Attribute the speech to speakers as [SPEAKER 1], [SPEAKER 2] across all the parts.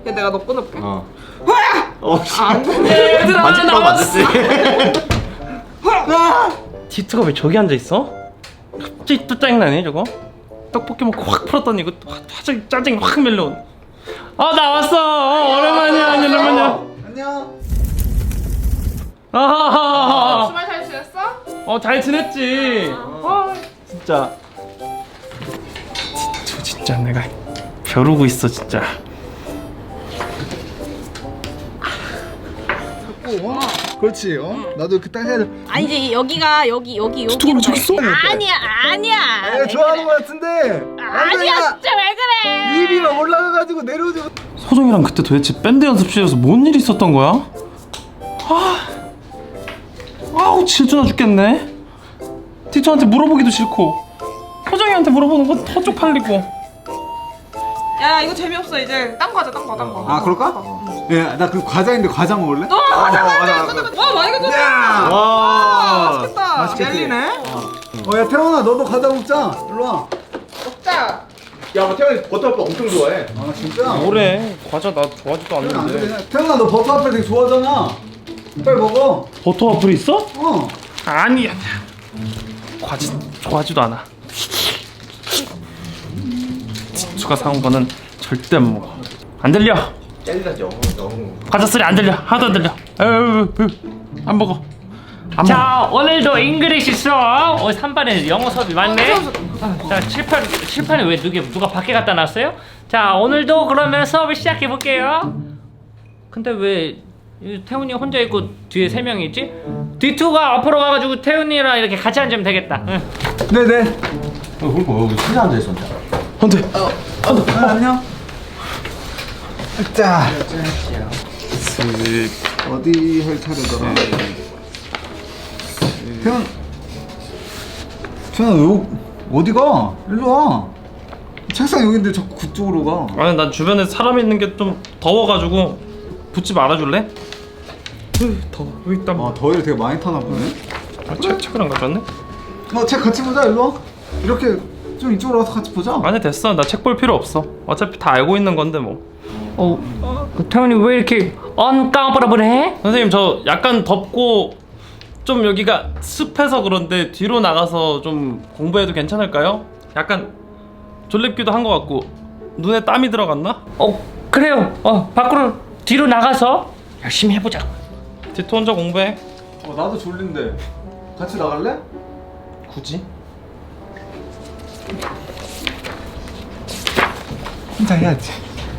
[SPEAKER 1] 얘 내가 너 끊을게.
[SPEAKER 2] 어.
[SPEAKER 1] 안 돼. 얘들아
[SPEAKER 2] 만질 거
[SPEAKER 1] 나왔어.
[SPEAKER 3] 디트가 왜 저기 앉아있어? 갑자기 또 짜증나네 저거. 떡볶이 먹고 확 풀었더니 이거 갑자기 짜증이 확 밀려오네. 나왔어. 오랜만이야. 오랜만이야.
[SPEAKER 2] 안녕.
[SPEAKER 3] 아하하하.
[SPEAKER 1] 주말 잘 지냈어?
[SPEAKER 3] 잘 지냈지. 진짜. 진짜 내가 벼르고 있어 진짜.
[SPEAKER 2] 그렇지. 나도 그땅 해야 돼.
[SPEAKER 4] 아니지 여기가 여기로
[SPEAKER 2] 저기 있어?
[SPEAKER 4] 아니야
[SPEAKER 2] 좋아하는 거 같은데.
[SPEAKER 4] 아니야 진짜 왜 그래
[SPEAKER 2] 입이 막 올라가가지고 내려오지.
[SPEAKER 3] 소정이랑 그때 도대체 밴드 연습실에서 뭔 일이 있었던 거야? 아우 질투나 죽겠네. 디토한테 물어보기도 싫고 소정이한테 물어보는 건 더 쪽팔리고.
[SPEAKER 1] 야 이거 재미없어 이제. 딴 거 하자 딴 거.
[SPEAKER 2] 아 그럴까? 예, 나 그 과자인데 과자 먹을래?
[SPEAKER 1] 맞아. 와 많이 가져왔다.
[SPEAKER 2] 와.
[SPEAKER 1] 맛있겠다.
[SPEAKER 2] 맛있겠지?
[SPEAKER 1] 열리네.
[SPEAKER 2] 야 태원아, 너도 과자 먹자. 일로 와.
[SPEAKER 1] 먹자.
[SPEAKER 5] 야, 태현이 버터밥 엄청 좋아해.
[SPEAKER 2] 아 진짜?
[SPEAKER 3] 뭐래? 과자 나 좋아하지도
[SPEAKER 2] 태원아, 안
[SPEAKER 3] 않는데.
[SPEAKER 2] 돼. 태원아, 너 버터 앞에 되게 좋아하잖아. 빨리 먹어.
[SPEAKER 3] 버터 와플 있어?
[SPEAKER 2] 어.
[SPEAKER 3] 아니야. 과자 좋아하지도 않아. 지수가 사온 거는 절대 안 먹어. 안 들려.
[SPEAKER 5] 젤리라죠. 너무.
[SPEAKER 3] 과자 소리 안 들려. 하나도 안 들려. 안 먹어.
[SPEAKER 6] 자 오늘도 잉글리시 수업 3반에 영어 수업이 많네. 자 칠판에 왜 누가 밖에 갖다 놨어요? 자 오늘도 그러면 수업을 시작해 볼게요. 근데 왜 태훈이 혼자 있고 뒤에 3명이 있지? D2가 앞으로 가가지고 태훈이랑 이렇게 같이 앉으면 되겠다. 응.
[SPEAKER 2] 네네.
[SPEAKER 5] 그러니까 여기 혼자 앉아 있었는데.
[SPEAKER 3] 안돼.
[SPEAKER 2] 안녕. 자. 어디 할 차례더라? 태원 왜 어디가? 일로 와. 책상 여기인데 자꾸 그쪽으로 가.
[SPEAKER 3] 아니 난 주변에 사람 있는 게 좀 더워가지고 붙지 말아줄래? 더워. 여기 있다.
[SPEAKER 2] 더위를 되게 많이 타나 보네.
[SPEAKER 3] 책을 안 가져왔네?
[SPEAKER 2] 책 같이 보자. 일로 와. 이렇게 좀 이쪽으로 와서 같이 보자.
[SPEAKER 3] 아니 됐어. 나 책 볼 필요 없어. 어차피 다 알고 있는 건데 뭐.
[SPEAKER 6] 태훈이 왜 이렇게 언까부러부해?
[SPEAKER 3] 선생님 저 약간 덥고 좀 여기가 습해서 그런데 뒤로 나가서 좀 공부해도 괜찮을까요? 약간 졸립기도 한 것 같고 눈에 땀이 들어갔나?
[SPEAKER 6] 그래요. 밖으로 뒤로 나가서 열심히 해보자.
[SPEAKER 3] 디토 혼자 공부해.
[SPEAKER 2] 나도 졸린데. 같이 나갈래?
[SPEAKER 3] 굳이?
[SPEAKER 2] 혼자 해야지.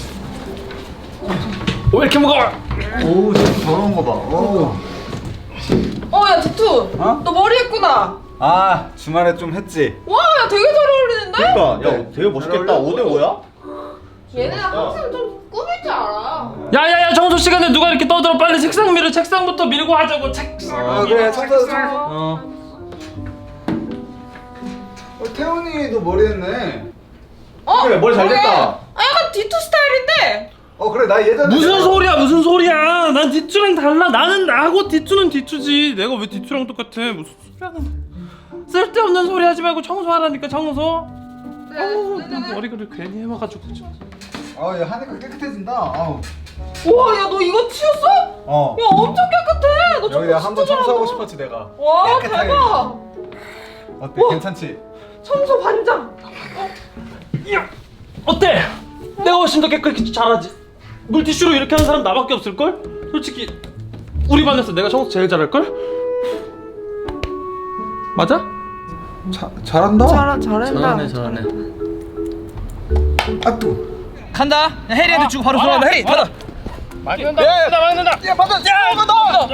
[SPEAKER 3] 왜 이렇게 무거워?
[SPEAKER 2] 오, 진짜 더러운 거 봐. 오.
[SPEAKER 1] 야 디투.
[SPEAKER 2] 어?
[SPEAKER 1] 너 머리 했구나.
[SPEAKER 2] 아, 주말에 좀 했지.
[SPEAKER 1] 와 야 되게 잘 어울리는데?
[SPEAKER 5] 그러니까, 야, 되게 멋있겠다. 5대 5야?
[SPEAKER 1] 얘네가 항상 좀 꾸밀 줄 알아.
[SPEAKER 3] 야야야 청소 시간에 누가 이렇게 떠들어. 빨리 책상 밀어. 책상부터 밀고 하자고. 책상.
[SPEAKER 2] 그래, 청소. 태훈이도 머리 했네.
[SPEAKER 5] 그래, 머리 잘 됐다.
[SPEAKER 1] 약간 디투 스타일인데.
[SPEAKER 2] 그래, 나 예전에.
[SPEAKER 3] 무슨 소리야 무슨 소리야. 난 디투랑 달라. 나는 나고 디투는 디투지. 내가 왜 디투랑 똑같아. 무슨 소리 하는 거야. 쓸데없는 소리 하지 말고 청소하라니까 청소. 난 머리를 괜히 해와가지고.
[SPEAKER 2] 얘 하니까 깨끗해진다. 아우.
[SPEAKER 1] 와 야 너 이거 치웠어? 야 엄청 깨끗해. 너
[SPEAKER 2] 여기
[SPEAKER 1] 청소
[SPEAKER 2] 내가 한번
[SPEAKER 1] 진짜
[SPEAKER 2] 청소하고
[SPEAKER 1] 잘한다.
[SPEAKER 2] 싶었지, 내가.
[SPEAKER 1] 와
[SPEAKER 2] 깨끗하게.
[SPEAKER 1] 대박.
[SPEAKER 2] 어때?
[SPEAKER 1] 우와.
[SPEAKER 2] 괜찮지?
[SPEAKER 1] 청소 반장.
[SPEAKER 3] 어때? 내가 훨씬 더 깨끗이 잘하지. 물티슈로 이렇게 하는 사람 나밖에 없을걸? 솔직히 우리 반에서 내가 청소 제일 잘할걸? 맞아?
[SPEAKER 2] 잘한다.
[SPEAKER 1] 잘한다.
[SPEAKER 6] 잘하네.
[SPEAKER 2] 아, 또.
[SPEAKER 7] 간다. 해리한테 주고 바로 들어간다. 해리 받아.
[SPEAKER 3] 맞는다.
[SPEAKER 7] 야 받아. 야 이거 넣어.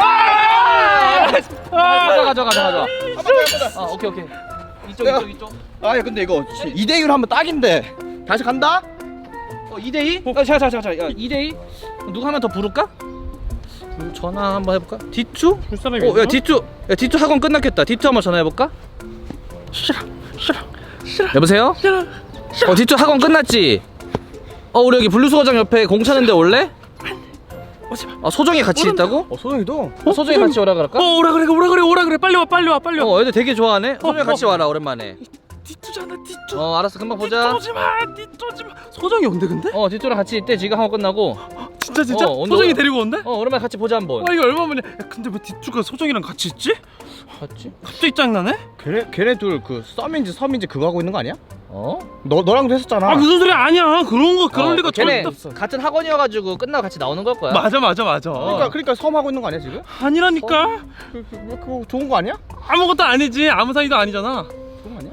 [SPEAKER 7] 가져. 오케이. 이쪽. 아 근데 이거 2대2로 하면 딱인데. 다시 간다. 2대2? 잠깐. 야 2대2? 누구 하나 더 부를까? 전화 한번 해볼까? 디투?
[SPEAKER 3] 볼 사람이
[SPEAKER 7] 야 디투. 야 디투 학원 끝났겠다. 디투 한번 전화해볼까?
[SPEAKER 3] 싫어.
[SPEAKER 7] 여보세요? 디투 학원 끝났지? 우리 여기 블루수거장 옆에 공 차는데 올래?
[SPEAKER 3] 오지마.
[SPEAKER 7] 소정이 같이 있다고? 소정이도? 소정이 같이 오라 그럴까?
[SPEAKER 3] 오라 그래 빨리 와.
[SPEAKER 7] 애들 되게 좋아하네. 소정이 같이 와라 오랜만에.
[SPEAKER 3] 뒤투잖아 뒤투.
[SPEAKER 7] 알았어 금방 보자.
[SPEAKER 3] 뒤투지마. 소정이 온대 근데?
[SPEAKER 7] 뒤쪽랑 같이 있대. 지금 하고 끝나고.
[SPEAKER 3] 진짜?
[SPEAKER 7] 온대,
[SPEAKER 3] 소정이
[SPEAKER 7] 온대.
[SPEAKER 3] 데리고 온대?
[SPEAKER 7] 오랜만에 같이 보자 한번.
[SPEAKER 3] 와 이거 얼마만이야? 야, 근데 왜 뒤투가 소정이랑 같이 있지?
[SPEAKER 7] 같이?
[SPEAKER 3] 갑자기 짱나네?
[SPEAKER 7] 걔네 둘 그 썸인지 섬인지 그거 하고 있는 거 아니야? 너랑도 했었잖아.
[SPEAKER 3] 아 무슨 소리야? 아니야 그럴 리가
[SPEAKER 7] 걔네
[SPEAKER 3] 절대 없어.
[SPEAKER 7] 같은 학원이어가지고 끝나고 같이 나오는 걸 거야.
[SPEAKER 3] 맞아.
[SPEAKER 7] 그러니까 섬 하고 있는 거 아니야 지금?
[SPEAKER 3] 아니라니까.
[SPEAKER 7] 그거 좋은 거 아니야?
[SPEAKER 3] 아무것도 아니지. 아무 사이도 아니잖아.
[SPEAKER 7] 좋은 거 아니야?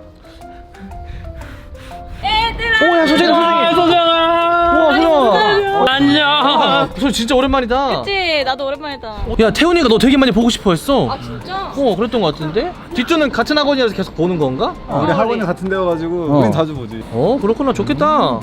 [SPEAKER 4] 얘들아.
[SPEAKER 7] 오야 소정아.
[SPEAKER 3] 소정아.
[SPEAKER 7] 우와 소정아.
[SPEAKER 3] 안녕.
[SPEAKER 7] 소정 진짜 오랜만이다.
[SPEAKER 4] 그치 나도 오랜만이다.
[SPEAKER 7] 야 태훈이가 너 되게 많이 보고 싶어 했어.
[SPEAKER 4] 아 진짜?
[SPEAKER 7] 그랬던 거 같은데? 뒷주는 같은 학원이라서 계속 보는 건가?
[SPEAKER 2] 우리 학원이 같은 데여가지고 우린 자주 보지.
[SPEAKER 7] 그렇구나 좋겠다.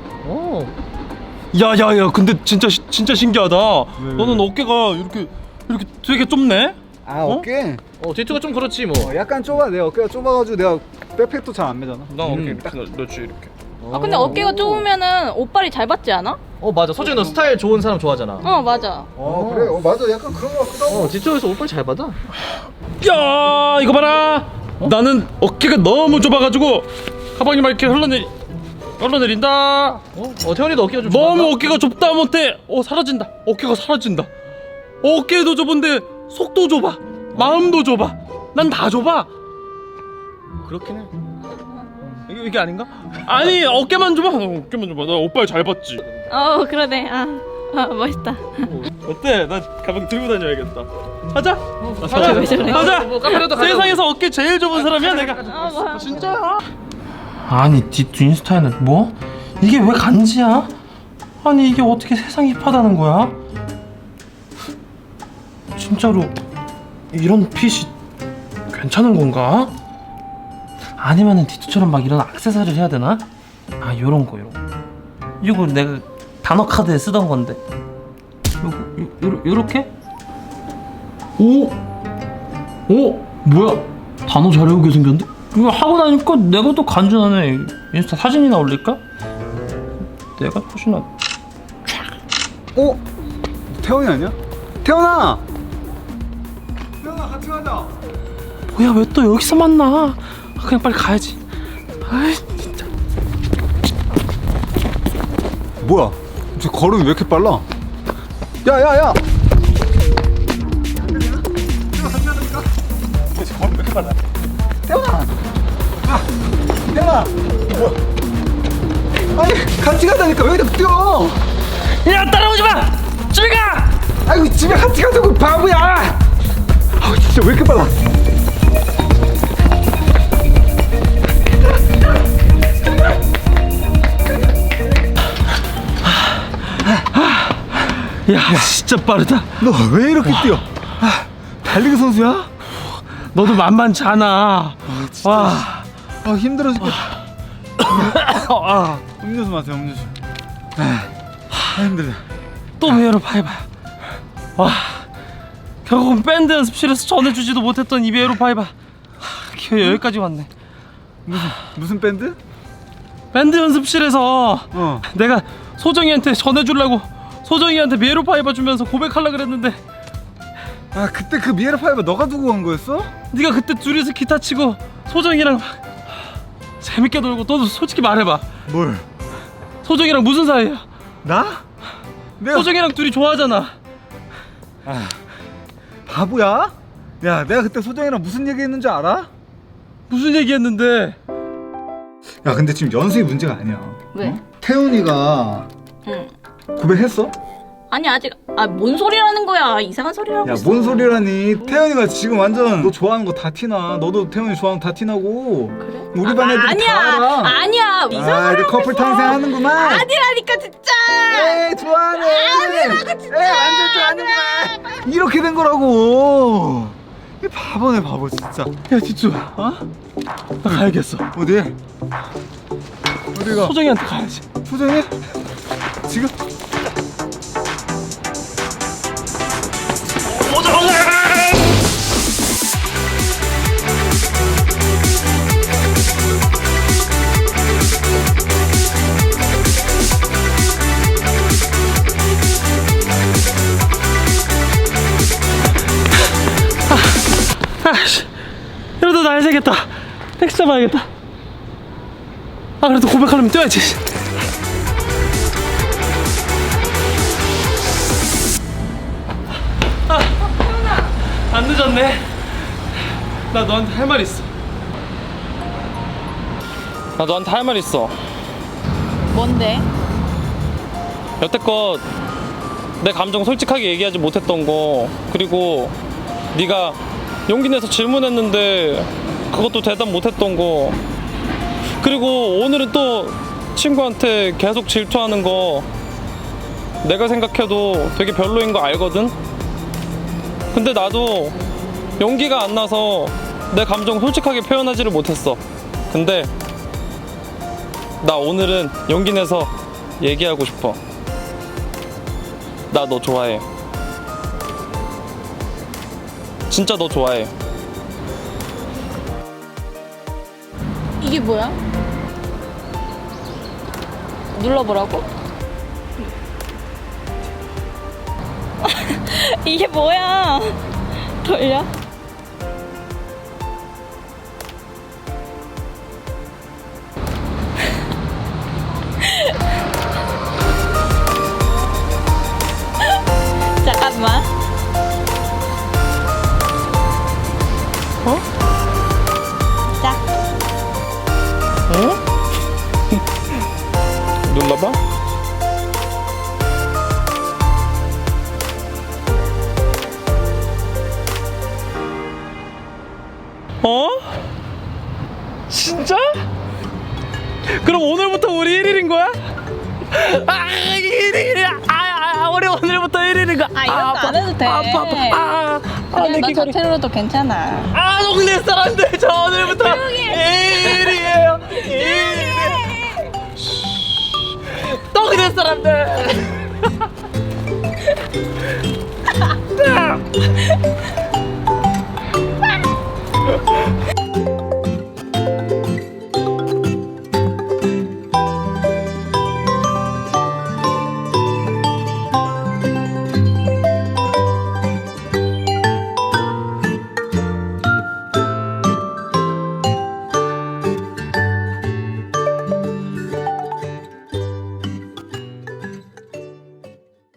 [SPEAKER 3] 야야야 근데 진짜 신기하다. 너는 어깨가 이렇게 되게 좁네.
[SPEAKER 2] 아 어깨?
[SPEAKER 7] 뒷주가 좀 그렇지 뭐.
[SPEAKER 2] 약간 좁아. 내 어깨가 좁아가지고 내가 백팩도 잘 안 매잖아.
[SPEAKER 3] 나 어깨 딱 넣지 이렇게.
[SPEAKER 4] 아 근데 어깨가 좁으면은 옷빨이 잘 받지 않아?
[SPEAKER 7] 맞아. 소정이 너 스타일 좋은 사람 좋아하잖아.
[SPEAKER 4] 맞아.
[SPEAKER 2] 그래. 맞아. 약간 그런 거 같기도 하고.
[SPEAKER 7] 뒷쪽에서 옷빨 잘 받아.
[SPEAKER 3] 야 이거 봐라. 나는 어깨가 너무 좁아가지고 가방이 막 이렇게 흘러내린다.
[SPEAKER 7] 태훈이도 어깨가 좀
[SPEAKER 3] 너무
[SPEAKER 7] 좁아한가?
[SPEAKER 3] 어깨가 좁다 못해. 사라진다. 어깨가 사라진다. 어깨도 좁은데 속도 좁아. 마음도 좁아. 난 다 좁아.
[SPEAKER 7] 그렇긴 해.
[SPEAKER 3] 이게 아닌가? 아니 어깨만 좁아. 나 오빠를 잘 봤지.
[SPEAKER 4] 그러네. 멋있다.
[SPEAKER 3] 어때? 나 가방 들고 다녀야겠다. 하자.
[SPEAKER 4] 왜 저래?
[SPEAKER 3] 하자.
[SPEAKER 7] 뭐 카페라도 가자고.
[SPEAKER 3] 세상에서 어깨 제일 좁은 사람이야 내가.
[SPEAKER 4] 뭐야.
[SPEAKER 3] 진짜야? 아니 뒷 인스타에는 뭐? 이게 왜 간지야? 아니 이게 어떻게 세상이 힙하다는 거야? 진짜로 이런 핏이 괜찮은 건가? 아니면은 디투처럼 막 이런 액세서리를 해야 되나? 요런 거 이거 내가 단어 카드에 쓰던 건데 요렇게? 오? 뭐야? 단어 잘 외우게 생겼는데? 이거 하고 나니까 내가 더 간지나네. 인스타 사진이나 올릴까? 내가 훨씬
[SPEAKER 2] 태훈이 아니야? 태훈아 같이 가자.
[SPEAKER 3] 뭐야 왜 또 여기서 만나? 그냥 빨리 가야지. 아이 진짜.
[SPEAKER 2] 뭐야? 저 걸음이 왜 이렇게 빨라? 야야야! 태훈아! 뭐야? 아니 같이 가자니까 왜 이렇게 뛰어?
[SPEAKER 3] 야 따라오지 마! 집에 가!
[SPEAKER 2] 아이고 집에 같이 가자고 바보야! 진짜 왜 이렇게 빨라?
[SPEAKER 3] 야 진짜 빠르다.
[SPEAKER 2] 너 왜 이렇게 뛰어? 달리기 선수야?
[SPEAKER 3] 너도 만만치 않아. 와.
[SPEAKER 2] 힘들어 죽겠다. 음료수 마세요 음료수. 힘들다.
[SPEAKER 3] 또 메이로 파이바야. 와. 결국은 밴드 연습실에서 전해주지도 못했던 이 메이로 파이바. 기어 여기까지 왔네.
[SPEAKER 2] 무슨 밴드?
[SPEAKER 3] 밴드 연습실에서 내가 소정이한테 전해주려고 소정이한테 메이로 파이바 주면서 고백하려 그랬는데
[SPEAKER 2] 그때 그 미에라 파이바 너가 두고 간 거였어?
[SPEAKER 3] 네가 그때 둘이서 기타 치고 소정이랑 재밌게 놀고 너도 솔직히 말해봐.
[SPEAKER 2] 뭘?
[SPEAKER 3] 소정이랑 무슨 사이야?
[SPEAKER 2] 나? 내가
[SPEAKER 3] 소정이랑 둘이 좋아하잖아.
[SPEAKER 2] 바보야? 야 내가 그때 소정이랑 무슨 얘기했는지 알아?
[SPEAKER 3] 무슨 얘기했는데?
[SPEAKER 2] 야 근데 지금 연습이 문제가 아니야.
[SPEAKER 4] 왜?
[SPEAKER 2] 태훈이가
[SPEAKER 4] 응.
[SPEAKER 2] 고백했어?
[SPEAKER 4] 아니 아직 뭔 소리라는 거야. 이상한 소리를 하고
[SPEAKER 2] 야
[SPEAKER 4] 있어.
[SPEAKER 2] 뭔 소리라니. 태훈이가 지금 완전 너 좋아하는 거 다 티나. 너도 태훈이 좋아하는 거 다 티나고.
[SPEAKER 4] 그래?
[SPEAKER 2] 우리 반 애들이 다 알아.
[SPEAKER 4] 아니야. 이상한
[SPEAKER 2] 이제 커플 탄생하는구만.
[SPEAKER 4] 아니라니까 진짜.
[SPEAKER 2] 에이 좋아하네.
[SPEAKER 4] 아니라고 진짜.
[SPEAKER 2] 에이 완전 좋아하는구만. 이렇게 된 거라고. 이 바보네 바보 진짜.
[SPEAKER 3] 야 디쭈 나 가야겠어.
[SPEAKER 2] 어디? 어디가?
[SPEAKER 3] 소정이한테 가야지.
[SPEAKER 2] 소정이? 지금?
[SPEAKER 3] 이러다 날 새겠다. 택시 잡아야겠다. 아 그래도 고백하려면 뛰어야지. 안 늦었네. 나 너한테 할 말 있어. 나 너한테 할 말 있어.
[SPEAKER 4] 뭔데?
[SPEAKER 3] 여태껏 내 감정 솔직하게 얘기하지 못했던 거, 그리고 네가 용기 내서 질문했는데 그것도 대답 못했던 거, 그리고 오늘은 또 친구한테 계속 질투하는 거 내가 생각해도 되게 별로인 거 알거든? 근데 나도 용기가 안 나서 내 감정 솔직하게 표현하지를 못했어. 근데 나 오늘은 용기 내서 얘기하고 싶어. 나 너 좋아해. 진짜 너 좋아해.
[SPEAKER 4] 이게 뭐야? 눌러보라고? 이게 뭐야? 돌려? 잠깐만.
[SPEAKER 3] 어?
[SPEAKER 4] 자.
[SPEAKER 3] 어? 눌러봐. 어? 진짜? 그럼 오늘부터 우리 1일인 거야? 아, 1일이야. 우리 오늘부터 1일인 거야.
[SPEAKER 4] 아, 이것도 안 해도 돼.
[SPEAKER 3] 내
[SPEAKER 4] 그냥 너
[SPEAKER 3] 귀걸이.
[SPEAKER 4] 저태로도 괜찮아.
[SPEAKER 3] 아, 동네 사람들, 저 오늘부터 1일이에요. 1일. 동네 사람들.